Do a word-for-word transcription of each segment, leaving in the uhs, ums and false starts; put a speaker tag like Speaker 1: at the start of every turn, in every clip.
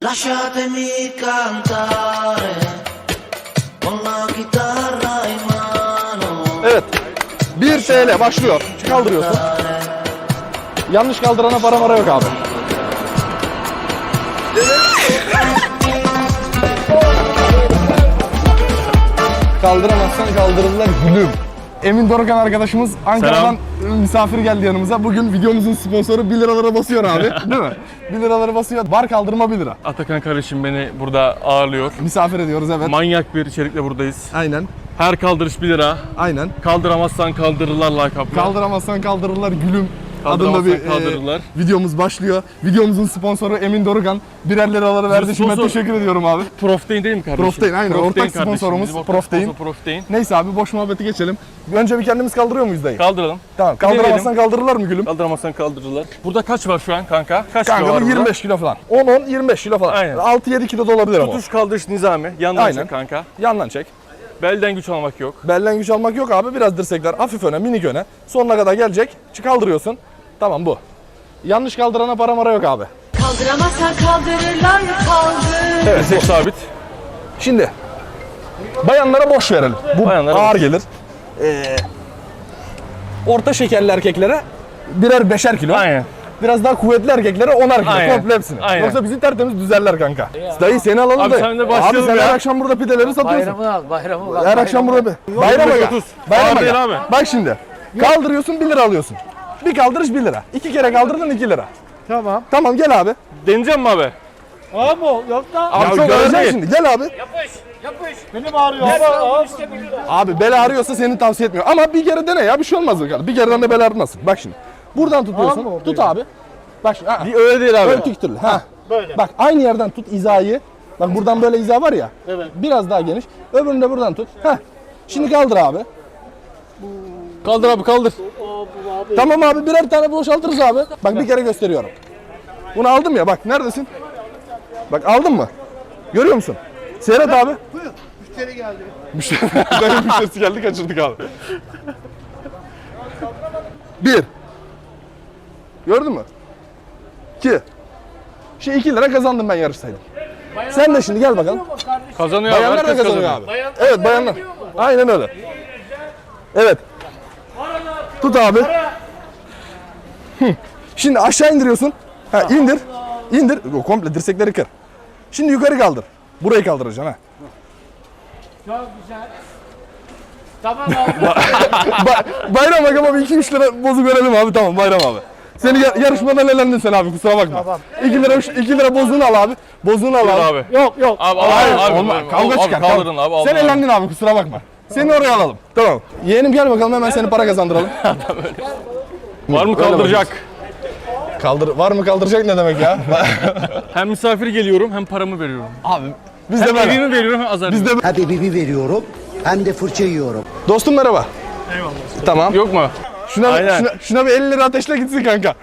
Speaker 1: Lasciatemi cantare con la chitarra in mano.
Speaker 2: Evet. bir T L başlıyor. Kaldırıyorsun. Yanlış kaldırana para mara yok abi. Kaldıramazsan kaldırırlar gülüm. Emin Dorukan arkadaşımız Ankara'dan Selam. misafir geldi yanımıza. Bugün videomuzun sponsoru bir liralara basıyor abi. Değil mi? bir liraları basıyor. Bar kaldırma bir lira.
Speaker 3: Atakan kardeşim beni burada ağırlıyor.
Speaker 2: Misafir ediyoruz evet.
Speaker 3: Manyak bir içerikle buradayız.
Speaker 2: Aynen.
Speaker 3: Her kaldırış bir lira.
Speaker 2: Aynen.
Speaker 3: Kaldıramazsan kaldırırlar lakapla.
Speaker 2: Kaldıramazsan kaldırırlar gülüm. Adında
Speaker 3: Kaldıramazsan
Speaker 2: bir
Speaker 3: kaldırırlar.
Speaker 2: e, videomuz başlıyor. Videomuzun sponsoru Emin Dorukan. Birer liraları verdi. Şimdi
Speaker 3: sponsor-
Speaker 2: teşekkür ediyorum abi.
Speaker 3: Proftein değil mi kardeşim?
Speaker 2: Proftein, aynen. Ortak
Speaker 3: kardeşim.
Speaker 2: sponsorumuz
Speaker 3: Bizim ortak
Speaker 2: Proftein.
Speaker 3: sponsor Proftein.
Speaker 2: Neyse abi boş muhabbeti geçelim. Önce bir kendimiz kaldırıyor muyuz dayı?
Speaker 3: Kaldıralım.
Speaker 2: Tamam. Kaldıramazsan kaldırırlar mı gülüm?
Speaker 3: Kaldıramazsan kaldırırlar. Burada kaç var şu an kanka? Kaç kilo
Speaker 2: Kanka
Speaker 3: var
Speaker 2: bu
Speaker 3: burada?
Speaker 2: yirmi beş kilo falan. on on yirmi beş kilo falan.
Speaker 3: Aynen.
Speaker 2: altı yedi kilo da olabilir ama.
Speaker 3: Tutuş kaldırış nizami. Yandan
Speaker 2: Aynen.
Speaker 3: çek kanka.
Speaker 2: Yandan çek.
Speaker 3: Belden güç almak yok.
Speaker 2: Belden güç almak yok abi. Biraz dirsekler hafif öne, minik öne. Sonuna kadar gelecek. Çık kaldırıyorsun. Tamam bu. Yanlış kaldırana para mara yok abi.
Speaker 4: Kaldıramazsan kaldırırlar kaldır.
Speaker 2: Evet.
Speaker 3: Dirsek sabit.
Speaker 2: Şimdi bayanlara boş verelim. Bu
Speaker 3: Bayanlara
Speaker 2: ağır
Speaker 3: boş.
Speaker 2: gelir. Ee, orta şekerli erkeklere birer beşer kilo.
Speaker 3: Aynen.
Speaker 2: Biraz daha kuvvetli erkeklere onar kilo.
Speaker 3: Aynen.
Speaker 2: Komple hepsini.
Speaker 3: Aynen.
Speaker 2: Yoksa bizi tertemiz düzerler kanka. Dayı seni alalım
Speaker 3: Abi
Speaker 2: dayı.
Speaker 3: sen de başlayalım
Speaker 2: Abi sen
Speaker 3: ya.
Speaker 2: her akşam burada pideleri satıyorsun.
Speaker 5: Bayramı al, bayramı al.
Speaker 2: Her akşam burada bir. Bayram
Speaker 3: yirmi beş
Speaker 2: aga.
Speaker 3: otuz.
Speaker 2: Bayram
Speaker 3: Ağır
Speaker 2: aga.
Speaker 3: değil abi.
Speaker 2: Bak şimdi. Kaldırıyorsun bir lira alıyorsun. Bir kaldırış bir lira. İki kere kaldırdın iki lira.
Speaker 5: Tamam.
Speaker 2: Tamam gel abi.
Speaker 3: Deneyeceğim mi abi?
Speaker 5: Abi o, yok da.
Speaker 2: Abi
Speaker 3: Ya
Speaker 2: çok
Speaker 3: göreceksin
Speaker 2: önemli şimdi. Gel abi.
Speaker 5: Beni bağırıyor. Abi, abi.
Speaker 2: Abi bel ağrıyorsa seni tavsiye etmiyorum. Ama bir kere dene ya bir şey olmaz. bakalım. Bir kereden de bel ağrımasın. Bak şimdi. Buradan tutuyorsun.
Speaker 5: Abi,
Speaker 2: Tut abi. Bak şimdi. Ha.
Speaker 3: Bir öyle değil abi.
Speaker 2: Böyle dik türlü. Ha.
Speaker 5: Böyle.
Speaker 2: Bak aynı yerden tut hizayı. Bak buradan böyle hiza var ya.
Speaker 5: Evet.
Speaker 2: Biraz daha geniş. Öbürünü de buradan tut. Heh. Şimdi kaldır abi.
Speaker 3: Kaldır abi kaldır.
Speaker 2: Tamam abi birer tane boşaltırız abi. Bak bir kere gösteriyorum. Bunu aldım ya bak neredesin? Bak aldın mı? Görüyor musun? Seyret abi.
Speaker 5: Buyur. Müşteri geldi.
Speaker 2: Müşteri, dayı müşterisi geldi kaçırdık abi. Bir. Gördün mü? İki. Şey iki lira kazandım ben yarışsaydım. Sen de şimdi gel bakalım.
Speaker 3: Kazanıyor abi.
Speaker 2: Bayanlar da
Speaker 3: herkes
Speaker 2: kazanıyor
Speaker 3: kazanıyor.
Speaker 2: abi. Evet bayanlar. Aynen öyle. Evet. Tut abi. Hı. Şimdi aşağı indiriyorsun. Ha indir. İndir. O, komple dirsekleri kır. Şimdi yukarı kaldır. Burayı kaldıracaksın ha.
Speaker 5: Çok güzel. Tamam abi.
Speaker 2: Ba- bayram bak ama bir iki üç lira bozuk verelim abi tamam bayram abi. Seni ya- yarışmadan elendin sen abi kusura bakma.
Speaker 5: Tamam.
Speaker 2: iki lira iki lira bozuğunu al abi. Bozuğunu al
Speaker 3: Dur
Speaker 2: abi.
Speaker 3: abi.
Speaker 5: Yok yok.
Speaker 3: Abi al
Speaker 2: Hayır,
Speaker 3: abi.
Speaker 2: olmaz.
Speaker 3: abi,
Speaker 2: Kavga
Speaker 3: abi,
Speaker 2: çıkar.
Speaker 3: Kaldırın
Speaker 2: kavga.
Speaker 3: abi. aldın
Speaker 2: Sen
Speaker 3: abi.
Speaker 2: elendin abi kusura bakma. Seni oraya alalım. Tamam. Yeğenim gel bakalım hemen seni para kazandıralım.
Speaker 3: Var mı
Speaker 2: Öyle
Speaker 3: kaldıracak?
Speaker 2: Kaldır var mı kaldıracak ne demek ya?
Speaker 3: Hem misafir geliyorum hem paramı veriyorum.
Speaker 2: abi biz de
Speaker 3: Hem
Speaker 2: böyle.
Speaker 3: evimi veriyorum hem azar
Speaker 2: Biz de
Speaker 6: Hem bibi veriyorum hem de fırça yiyorum.
Speaker 2: Dostum merhaba. Eyvallah. Tamam.
Speaker 3: Yok mu?
Speaker 2: Şuna,
Speaker 3: Aynen.
Speaker 2: şuna, şuna bir elli lira ateşle gitsin kanka.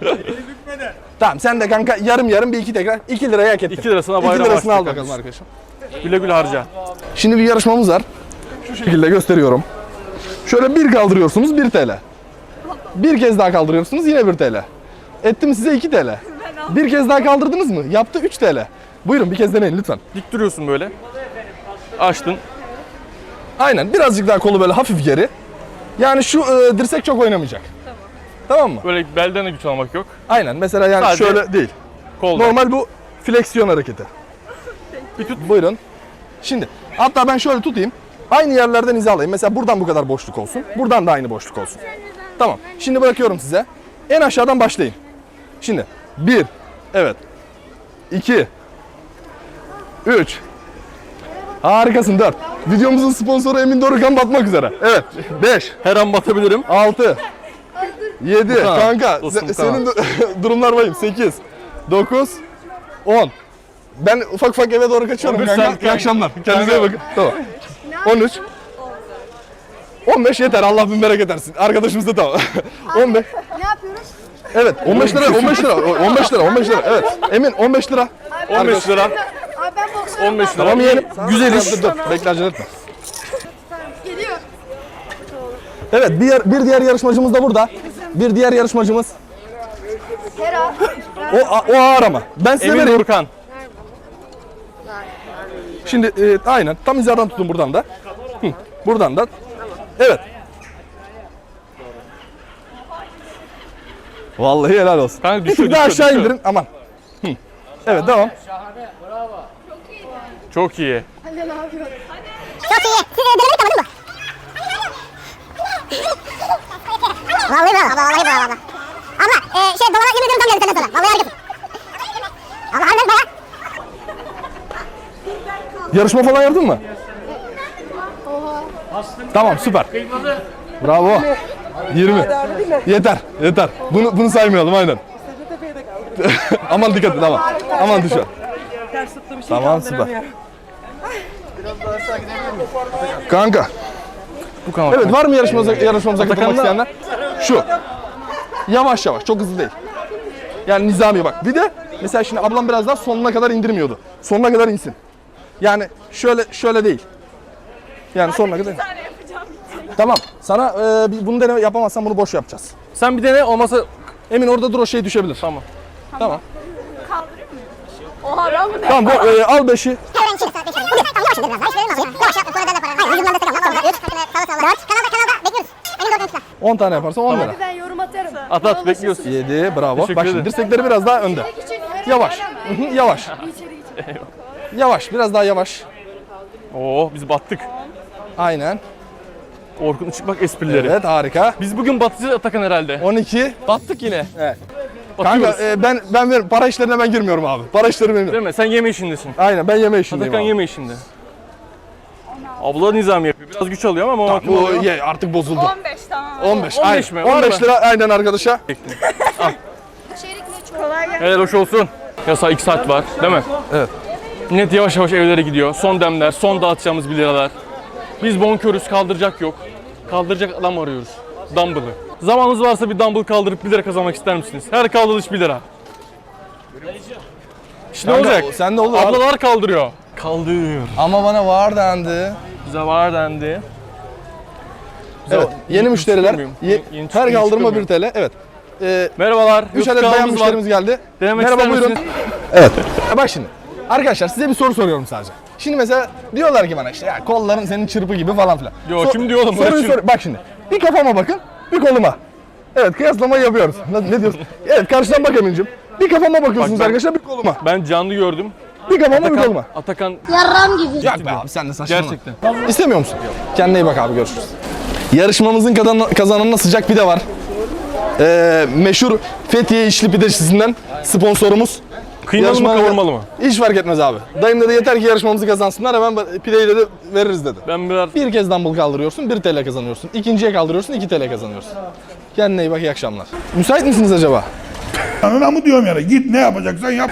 Speaker 2: Tamam sen de kanka yarım yarım bir iki tekrar iki liraya hak ettin.
Speaker 3: iki lirasına bayram
Speaker 2: İki lirasını
Speaker 3: harçlık
Speaker 2: al bakalım
Speaker 3: kardeşim.
Speaker 2: arkadaşım.
Speaker 3: Güle güle harca.
Speaker 2: Şimdi bir yarışmamız var. Şu şekilde gösteriyorum. Şöyle bir kaldırıyorsunuz bir T L. Bir kez daha kaldırıyorsunuz yine bir T L. Ettim size iki T L. Bir kez daha kaldırdınız mı? Yaptı üç T L. Buyurun bir kez deneyin lütfen.
Speaker 3: Dik duruyorsun böyle. Açtın.
Speaker 2: Aynen birazcık daha kolu böyle hafif geri. Yani şu e, dirsek çok oynamayacak. Tamam. Tamam mı?
Speaker 3: Böyle belden de güç almak yok.
Speaker 2: Aynen mesela yani
Speaker 3: Sadece
Speaker 2: şöyle değil.
Speaker 3: Kolda.
Speaker 2: Normal bu fleksiyon hareketi. Bir tut. Buyurun. Şimdi hatta ben şöyle tutayım. Aynı yerlerden hizalayayım. Mesela buradan bu kadar boşluk olsun. Buradan da aynı boşluk olsun. Tamam. Şimdi bırakıyorum size. En aşağıdan başlayın. Şimdi bir. Evet. iki. üç. Harikasın dört. Videomuzun sponsoru Emin Dorukan batmak üzere. Evet. beş.
Speaker 3: Her an batabilirim.
Speaker 2: altı. yedi.
Speaker 3: Tamam.
Speaker 2: Kanka
Speaker 3: Dostum,
Speaker 2: se-
Speaker 3: tamam.
Speaker 2: senin du- durumlar vahim. sekiz. dokuz. on. Ben ufak ufak eve doğru kaçıyorum
Speaker 3: on bir
Speaker 2: kanka.
Speaker 3: saat
Speaker 2: İyi
Speaker 3: kanka.
Speaker 2: akşamlar. Kendinize iyi bakın. Tamam. on üç. on beş yeter. Allah bin bereket etsin. Arkadaşımız da tamam. on beş.
Speaker 7: Ne yapıyoruz?
Speaker 2: Evet. on beş lira. on beş lira. on beş lira. on beş lira. Evet. Emin on beş lira.
Speaker 3: on beş lira.
Speaker 7: Abi ben boksörüm.
Speaker 3: on beş lira.
Speaker 2: Tamam yeğenim. Güzel iş. Dur dur. Bekle acele etme.
Speaker 7: Geliyor.
Speaker 2: Evet. Bir, yer- bir diğer yarışmacımız da burada. Bir diğer yarışmacımız.
Speaker 7: Hera.
Speaker 2: O, o ağır ama. Ben size
Speaker 3: Emin
Speaker 2: vereyim.
Speaker 3: Durkan.
Speaker 2: Şimdi e, aynen tam hizadan tutun buradan da. Hı, buradan da. Evet. Vallahi helal olsun.
Speaker 3: Kanka
Speaker 2: Bir
Speaker 3: düşüyor,
Speaker 2: tık daha
Speaker 3: düşüyor,
Speaker 2: aşağı
Speaker 3: düşüyor.
Speaker 2: indirin aman. Hı. Evet devam.
Speaker 5: Şahane. Bravo.
Speaker 3: Çok iyi.
Speaker 7: Anne ne yapıyor?
Speaker 8: Çok iyi. Siz denemeyi tanıdın mı? Vallahi bravo. Abla vallahi bravo abla. Abla e, şey dolana yemin ediyorum tam geldi senden sonra. Vallahi harikasın. Abla harbiden baya.
Speaker 2: Yarışma falan yaptın mı? Tamam süper.
Speaker 5: Kıymalı.
Speaker 2: Bravo. yirmi. Yeter, yeter. Bunu bunu saymayalım aynen. Aman dikkat et tamam. Aman düşer. Tamam süper. Kanka.
Speaker 3: Bu kanka.
Speaker 2: Evet var mı yarışmamıza, yarışmamıza katılmak isteyenler? Şu. Yavaş yavaş çok hızlı değil. Yani nizami bak. Bir de mesela şimdi ablam biraz daha sonuna kadar indirmiyordu. Sonuna kadar insin. Yani şöyle şöyle değil. Yani sonuna kadar. Tamam. Sana e, bir- bunu dene yapamazsan bunu boş yapacağız.
Speaker 3: Sen bir dene olmasa
Speaker 2: Emin orada dur o şey düşebilir.
Speaker 3: tamam.
Speaker 2: Tamam.
Speaker 7: Oha ben bunu
Speaker 2: Tamam bu, e, al beşi.
Speaker 8: Hemen içeri saat beş arayın. Tamam yavaş indir biraz daha. Hiç verilmez. Yavaş yap. Sonra ben de para. Hayır yüzümden destek al. Tamam. Üç. Sağda sağda. Dört. Kanalda kanalda. Bekliyoruz. Emin ol kanalda.
Speaker 2: on tane yaparsan on lira.
Speaker 7: Hadi ben yorum atarım.
Speaker 3: At at bekliyoruz.
Speaker 2: yedi bravo.
Speaker 3: Teşekkür
Speaker 2: Bak şimdi
Speaker 3: ederim.
Speaker 2: dirsekleri biraz daha önde.
Speaker 7: Küçük her
Speaker 2: Yavaş.
Speaker 7: ara
Speaker 2: Hı hı, yavaş. Yavaş biraz daha yavaş.
Speaker 3: Oo biz battık.
Speaker 2: Aynen.
Speaker 3: Orkun Işıkbak esprileri.
Speaker 2: Evet harika.
Speaker 3: Biz bugün batacağız Atakan herhalde.
Speaker 2: on iki.
Speaker 3: Battık yine.
Speaker 2: Evet.
Speaker 3: Batıyoruz.
Speaker 2: Kanka e, ben ben ver- para işlerine ben girmiyorum abi. Para işleri benim.
Speaker 3: Değil mi? Sen yeme işindesin.
Speaker 2: Aynen ben yeme işindeyim
Speaker 3: Atakan
Speaker 2: abi.
Speaker 3: yeme işinde. Abla nizam yapıyor. Biraz güç alıyor ama o
Speaker 2: Bu ye, artık bozuldu.
Speaker 7: on beş tamam.
Speaker 2: on beş.
Speaker 3: on beş
Speaker 2: aynen.
Speaker 3: mi? Var
Speaker 2: on beş
Speaker 3: mı?
Speaker 2: lira aynen arkadaşa.
Speaker 7: İçerik ne çok. Kolay gelsin.
Speaker 3: Helal hoş olsun. Yasa iki saat var değil mi?
Speaker 2: Evet.
Speaker 3: Net yavaş yavaş evlere gidiyor. Son demler, son dağıtacağımız bir liralar. Biz bonkörüz, kaldıracak yok. Kaldıracak adam arıyoruz. Dumbbell'ı. Zamanınız varsa bir dumbbell kaldırıp bir lira kazanmak ister misiniz? Her kaldırış bir lira. İşte ne
Speaker 2: Kanka,
Speaker 3: olacak?
Speaker 2: Sen de olur abi.
Speaker 3: Ablalar kaldırıyor. Kaldır.
Speaker 2: Ama bana var dendi.
Speaker 3: Bize var dendi.
Speaker 2: Evet. Yeni
Speaker 3: Yeni
Speaker 2: müşteriler.
Speaker 3: çıkıyor muyum?
Speaker 2: Ye-
Speaker 3: Yeni
Speaker 2: her
Speaker 3: çıkıyor
Speaker 2: kaldırma
Speaker 3: muyum?
Speaker 2: bir T L. Evet. Ee,
Speaker 3: Merhabalar.
Speaker 2: üç
Speaker 3: YouTube
Speaker 2: adet bayan
Speaker 3: kanalımız var.
Speaker 2: müşterimiz geldi.
Speaker 3: Denemek
Speaker 2: Merhaba
Speaker 3: ister
Speaker 2: buyurun.
Speaker 3: misiniz?
Speaker 2: Evet. Bak şimdi. Arkadaşlar size bir soru soruyorum sadece. Şimdi mesela diyorlar ki bana işte ya kolların senin çırpı gibi falan filan.
Speaker 3: Yo, kim diyor oğlum?
Speaker 2: Soruyu
Speaker 3: Bırak
Speaker 2: sor. Bak şimdi. Bir kafama bakın, bir koluma. Evet kıyaslamayı yapıyoruz. Ne, ne diyorsun? Evet karşıdan bak Emin'cim. Bir kafama bakıyorsunuz
Speaker 3: Bak ben-
Speaker 2: arkadaşlar, bir koluma.
Speaker 3: Ben canlı gördüm.
Speaker 2: Bir kafama bir
Speaker 3: Atakan,
Speaker 2: koluma.
Speaker 3: Atakan
Speaker 8: Yarram gibi.
Speaker 2: Yok be abi sen de saçmalama.
Speaker 3: gerçekten.
Speaker 2: İstemiyor musun? Kendine iyi bak abi, görüşürüz. Yarışmamızın kazan kazananına sıcak pide var. Ee, meşhur Fethiye İçli Pidecisi'nden sponsorumuz.
Speaker 3: Kıymalı mı
Speaker 2: Yarışmada-
Speaker 3: kavurmalı mı?
Speaker 2: Hiç fark etmez abi. Dayım dedi yeter ki yarışmamızı kazansınlar, hemen pideyi dedi veririz dedi.
Speaker 3: Ben biraz
Speaker 2: Bir kez dumbbell kaldırıyorsun, bir T L kazanıyorsun. İkinciye kaldırıyorsun, iki T L kazanıyorsun. Kendine iyi bak, iyi akşamlar. Müsait misiniz acaba?
Speaker 9: Anına mı diyorum yani? Git ne yapacaksan yap.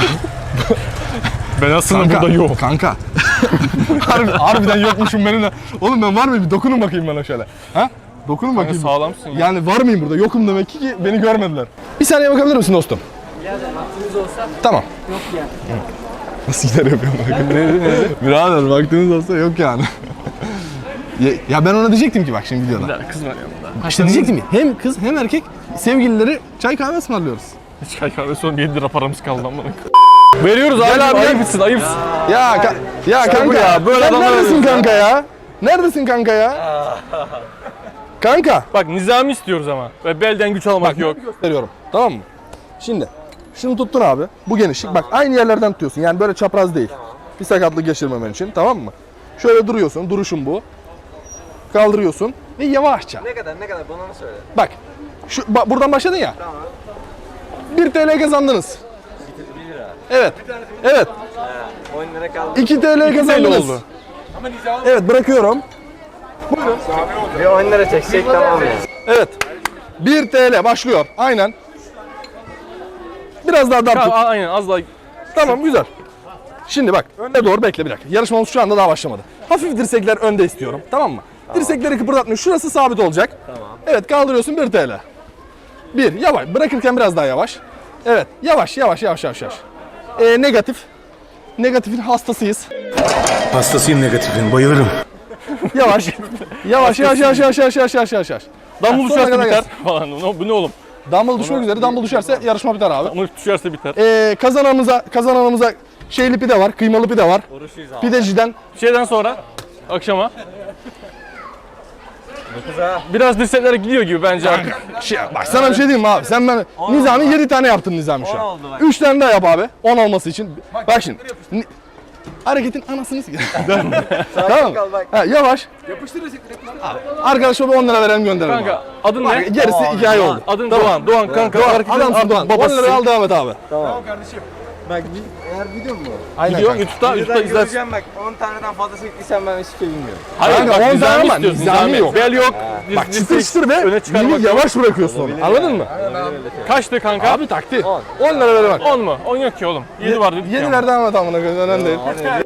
Speaker 3: ben aslında burada yok.
Speaker 2: Kanka. Harbi, harbiden yokmuşum benim de. Oğlum ben var mıyım? Bir dokunun bakayım bana şöyle. Ha? Dokunun
Speaker 3: Kanka
Speaker 2: bakayım.
Speaker 3: sağlamsın ya.
Speaker 2: Yani var mıyım burada? Yokum demek ki ki beni görmediler. Bir saniye bakabilir misin dostum? Tamam. Yok yani. Nasıl gider yapıyorum? Birader vaktiniz olsa yok yani. ya, ya ben ona diyecektim ki bak şimdi videoda.
Speaker 3: Ya kız var yanımda.
Speaker 2: İşte diyecektim ki hem kız hem erkek sevgilileri çay kahve ısmarlıyoruz.
Speaker 3: Çay kahve son yedi lira paramız kaldı lan bana. Veriyoruz abi.
Speaker 2: Gel abi, gel.
Speaker 3: Ayıpsın ayıpsın.
Speaker 2: Ya ka- ya kanka
Speaker 3: ya, böyle
Speaker 2: sen
Speaker 3: adamlar
Speaker 2: neredesin
Speaker 3: arıyoruz
Speaker 2: kanka ya? Neredesin kanka ya? Kanka
Speaker 3: Bak nizami istiyoruz ama. Ve belden güç almak yok.
Speaker 2: gösteriyorum, tamam mı? Şimdi şunu tuttun abi, bu genişlik, bak aynı yerlerden tutuyorsun yani böyle çapraz değil. Bir sakatlık geçirmemen için, tamam mı? Şöyle duruyorsun, duruşun bu. Kaldırıyorsun ve yavaşça.
Speaker 10: Ne kadar ne kadar bana mı söyle?
Speaker 2: Bak şu ba- buradan başladın ya.
Speaker 10: Tamam.
Speaker 2: bir T L kazandınız.
Speaker 10: bir lira.
Speaker 2: Evet. Evet.
Speaker 10: on lira kaldı.
Speaker 2: iki T L kazandınız.
Speaker 3: oldu.
Speaker 2: Evet bırakıyorum.
Speaker 10: Bir on lira çeksek tamam ya.
Speaker 2: Evet. bir T L başlıyor. Aynen. Biraz daha dar tut.
Speaker 3: Tamam, aynen az daha.
Speaker 2: Tamam güzel. Şimdi bak önde doğru bekle bir dakika. Yarışmamız şu anda daha başlamadı. Hafif dirsekler önde istiyorum. Tamam mı? Dirsekleri kıpırdatmıyor. Şurası sabit olacak.
Speaker 10: Tamam.
Speaker 2: Evet kaldırıyorsun bir T L. bir yavaş. Bırakırken biraz daha yavaş. Evet yavaş yavaş yavaş yavaş yavaş. Ee, negatif. Negatifin hastasıyız.
Speaker 9: Hastasıyım negatifin, bayılırım.
Speaker 2: Yavaş. yavaş yavaş yavaş yavaş yavaş yavaş yavaş yavaş.
Speaker 3: Dumbbell
Speaker 2: Ha, sonuna
Speaker 3: düşerse
Speaker 2: kadar
Speaker 3: biter.
Speaker 2: gelsin.
Speaker 3: Falan. Bu bu ne oğlum?
Speaker 2: Dumbbell düşmek üzere. Dumbbell düşerse yarışma biter abi.
Speaker 3: Dumbbell düşerse biter.
Speaker 2: Ee, kazananımıza kazananımıza şeyli pide var, kıymalı pide var. Pideciden
Speaker 3: Şeyden sonra akşama. Biraz dirsekler gidiyor gibi bence artık.
Speaker 2: şey, bak sana bir şey diyeyim mi abi? Sen ben Nizami yedi tane yaptın Nizami şu an. üç tane daha yap abi. on olması için. Bak şimdi. Ni- Hareketin anasını s***. Tamam mı? Ha, yavaş. Yapıştır arkadaşa bir on lira verelim gönderelim.
Speaker 3: Kanka
Speaker 2: abi.
Speaker 3: adın
Speaker 2: Bak,
Speaker 3: ne?
Speaker 2: gerisi hikaye oldu.
Speaker 3: Adın Doğan. Doğan kanka.
Speaker 2: Doğan,
Speaker 3: hareketin
Speaker 2: adamsın
Speaker 3: artık
Speaker 2: Doğan. on
Speaker 3: babasısın.
Speaker 2: lira al devam et abi.
Speaker 10: Bak eğer video mu?
Speaker 2: Aynen
Speaker 3: Gidiyor
Speaker 2: kanka.
Speaker 3: YouTube'da, YouTube'da izlersin.
Speaker 10: Göreceğim bak on taneden fazla çektiysen ben hiçbir şey bilmiyorum.
Speaker 3: Hayır
Speaker 2: Kanka,
Speaker 3: bak
Speaker 2: on
Speaker 3: nizami
Speaker 2: tane ama
Speaker 3: istiyorsun.
Speaker 2: nizami
Speaker 3: Nizami
Speaker 2: yok.
Speaker 3: Bel yok. diz-
Speaker 2: Bak
Speaker 3: diz-
Speaker 2: çıtır çıtır
Speaker 3: öne
Speaker 2: ve
Speaker 3: çıkarmak
Speaker 2: mini
Speaker 3: yok.
Speaker 2: yavaş bırakıyorsun onu. Anladın mı?
Speaker 3: Kaçtı kanka?
Speaker 2: Abi takti. on lira ver bak.
Speaker 3: on mu? on yok ki oğlum. yedi var dedik ya.
Speaker 2: Yediler devam et amına koyayım. Önemli değil.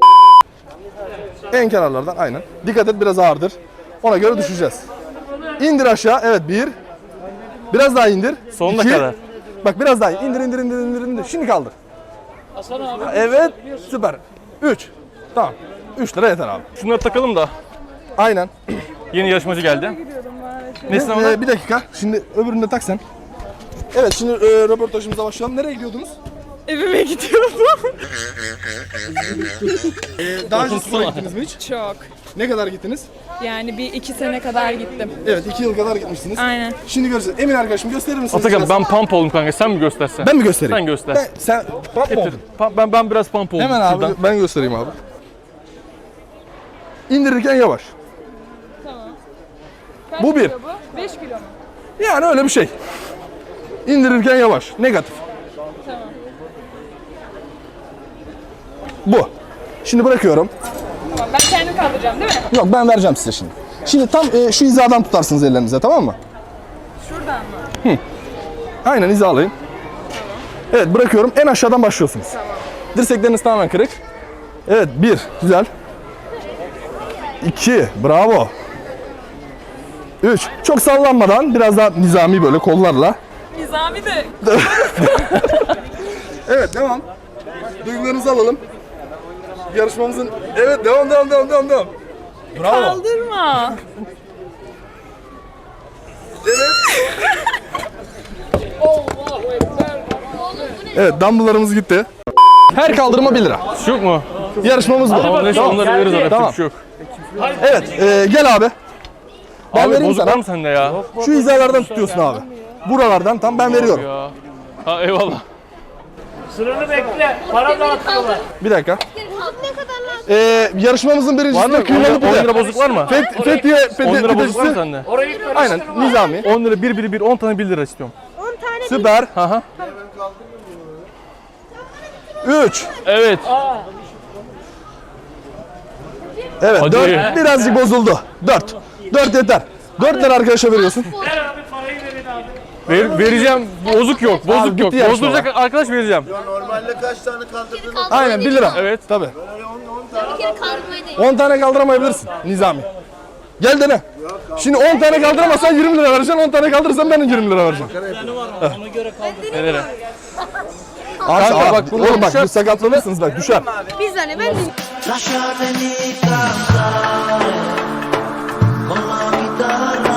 Speaker 2: En kenarlardan aynen. Dikkat et biraz ağırdır. Ona göre düşeceğiz. İndir aşağı. Evet bir. Biraz daha indir.
Speaker 3: Sonuna
Speaker 2: İki.
Speaker 3: kadar.
Speaker 2: Bak biraz daha indir indir indir indir indir. Şimdi kaldır. Evet. Süper. üç. Tamam. üç lira yeter abi.
Speaker 3: Şunları takalım da.
Speaker 2: Aynen.
Speaker 3: Yeni yarışmacı geldi. Nesin onlar?
Speaker 2: Ee, bir dakika. Şimdi öbürünü de tak sen. Evet şimdi e, röportajımıza başlayalım. Nereye gidiyordunuz?
Speaker 7: Evime gidiyordum.
Speaker 2: Ee, daha önce spora gittiniz mi hiç?
Speaker 7: Çok.
Speaker 2: Ne kadar gittiniz?
Speaker 7: Yani bir iki sene kadar gittim.
Speaker 2: Evet iki yıl kadar gitmişsiniz.
Speaker 7: Aynen.
Speaker 2: Şimdi göreceğiz. Emin arkadaşım gösterir misiniz?
Speaker 3: Atakan
Speaker 2: biraz?
Speaker 3: ben pump oldum kanka. Sen mi göstersen?
Speaker 2: Ben mi göstereyim?
Speaker 3: Sen göster.
Speaker 2: Ben, sen pump mı
Speaker 3: Getir.
Speaker 2: oldun?
Speaker 3: Pa- Ben ben biraz pump oldum.
Speaker 2: Hemen abi
Speaker 3: şuradan.
Speaker 2: ben göstereyim abi. İndirirken yavaş.
Speaker 7: Kaç
Speaker 2: Bu bir.
Speaker 7: kilo bu? beş kilo mu?
Speaker 2: Yani öyle bir şey. İndirirken yavaş. Negatif.
Speaker 7: Tamam.
Speaker 2: Bu. Şimdi bırakıyorum.
Speaker 7: Tamam ben kendim kaldıracağım değil mi?
Speaker 2: Yok ben vereceğim size şimdi. Şimdi tam e, şu hizadan tutarsınız ellerinize tamam mı?
Speaker 7: Şuradan mı?
Speaker 2: Aynen hizalayın. Evet bırakıyorum. En aşağıdan başlıyorsunuz. Dirsekleriniz tamamen kırık. Evet bir. Güzel. İki. Bravo. Üç. Çok sallanmadan biraz daha nizami böyle kollarla.
Speaker 7: Nizami de.
Speaker 2: Evet devam. Duygularınızı alalım. Yarışmamızın... Evet devam devam devam devam devam. Bravo.
Speaker 7: Kaldırma.
Speaker 2: Evet dumbbelllarımız gitti. Her kaldırma bir lira.
Speaker 3: Şu yok mu?
Speaker 2: Yarışmamız bu.
Speaker 3: Tamam, neyse
Speaker 2: Tamam.
Speaker 3: onları veririz arada.
Speaker 2: Tamam.
Speaker 3: Bir şey yok.
Speaker 2: Evet e, gel abi. Ben
Speaker 3: Abi
Speaker 2: vereyim
Speaker 3: bozuk
Speaker 2: sana.
Speaker 3: var mı sende ya?
Speaker 2: Şu hizalardan tutuyorsun abi. Buralardan tam ben veriyorum.
Speaker 3: Ya. Ha eyvallah.
Speaker 5: Sıranı bekle. Para dağıtıyorlar.
Speaker 2: Bir dakika.
Speaker 8: Ne kadar lan?
Speaker 2: E, yarışmamızın
Speaker 3: Var
Speaker 2: birincisi
Speaker 3: mı?
Speaker 2: de kıymalı
Speaker 3: on lira
Speaker 2: pide.
Speaker 3: bozuk var mı?
Speaker 2: Fet, Fethiye pide,
Speaker 3: on lira bozuk var mı
Speaker 2: pidecisi.
Speaker 3: sende?
Speaker 5: Orayı karıştırma.
Speaker 2: Aynen nizami.
Speaker 3: on lira bir bir bir on tane bir lira istiyorum.
Speaker 8: on tane
Speaker 2: Süper.
Speaker 3: Ha ha.
Speaker 2: üç.
Speaker 3: Evet.
Speaker 2: Evet
Speaker 3: Hadi.
Speaker 2: dört. Birazcık bozuldu. dört. dört yeter. dört lira arkadaşa veriyorsun.
Speaker 5: Ver abi parayı verin abi.
Speaker 3: Ver, vereceğim. Bozuk yok. Bozuk
Speaker 2: bitti
Speaker 3: yok.
Speaker 2: yarışma
Speaker 3: Bozduracak arkadaş vereceğim.
Speaker 1: Normalde kaç tane kaldırdın?
Speaker 2: Aynen bir lira.
Speaker 3: Evet.
Speaker 2: Tabii.
Speaker 8: bir kere kaldırmayı değil.
Speaker 2: on tane kaldıramayabilirsin Nizami. Gel dene. Şimdi on tane kaldıramazsan yirmi lira vereceksin. on tane kaldırırsan ben de yirmi lira vereceğim.
Speaker 3: Nelere?
Speaker 2: Aç,
Speaker 3: Kanka
Speaker 2: bak,
Speaker 3: bak, bunu
Speaker 2: oğlum bak
Speaker 3: düşer.
Speaker 2: siz sakatlanırsınız bak düşer.
Speaker 8: Bir saniye ben de.
Speaker 1: Lasciatemi cantare con la chitarra